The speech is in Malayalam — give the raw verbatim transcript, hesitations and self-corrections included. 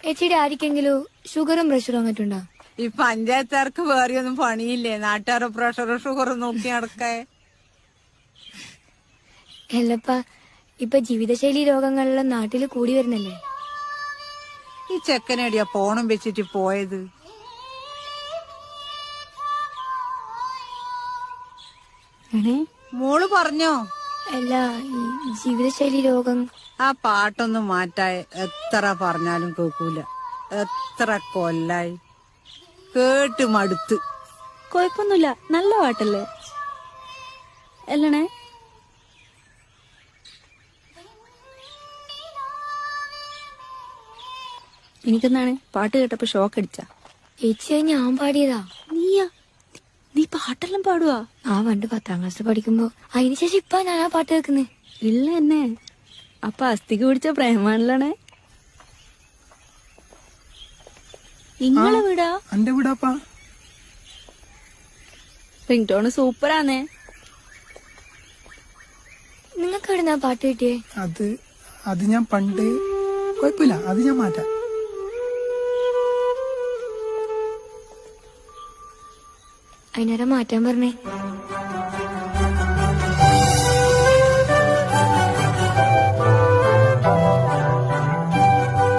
ചേച്ചിയുടെ ആർക്കെങ്കിലും ഷുഗറും പ്രഷറും അങ്ങോട്ടുണ്ടോ? ഈ പഞ്ചായത്തുകാർക്ക് വേറെ ഒന്നും പണിയില്ലേ? നാട്ടുകാരുടെ പ്രഷറും ഷുഗറും നോക്കി നടക്കേ. അല്ലപ്പ ഇപ്പൊ ജീവിതശൈലി രോഗങ്ങളെല്ലാം നാട്ടില് കൂടി വരുന്നല്ലേ? ഈ ചെക്കനടിയാ ഫോണും വെച്ചിട്ട് പോയത്. മോള് പറഞ്ഞോ? അല്ല, ഈ ജീവിതശൈലി രോഗം. ആ പാട്ടൊന്നും മാറ്റാൻ എത്ര പറഞ്ഞാലും കേൾക്കൂല. എത്ര കൊല്ലായി കേട്ട് മടുത്ത്. കൊഴപ്പൊന്നുമില്ല, നല്ല പാട്ടല്ലേ അല്ലണേ? എനിക്കെന്താണ് പാട്ട് കേട്ടപ്പോ ഷോക്ക് അടിച്ചാ? ചേച്ചി ഞാൻ പാടിയതാ. നീയാ? നീ പാട്ടെല്ലാം പാടുവാ? ആ പണ്ട് പത്താം ക്ലാസ് പഠിക്കുമ്പോ. അതിനുശേഷം ഇപ്പൊ ഞാൻ ആ പാട്ട് കേൾക്കുന്നേ ഇല്ല എന്നെ. അപ്പൊ അസ്ഥിക്ക് പിടിച്ച പ്രേമാണല്ലേ? നിങ്ങളെ വീടാ? എന്റെ വീടാപ്പാ. Ring tone സൂപ്പറാന്നേ. നിങ്ങൾക്ക് എവിടുന്നാ പാട്ട് കിട്ടിയേ? അത് അത് ഞാൻ പണ്ട് കുഴപ്പമില്ല, അത് ഞാൻ മാറ്റാം. അതിനേരം മാറ്റാൻ പറഞ്ഞേ.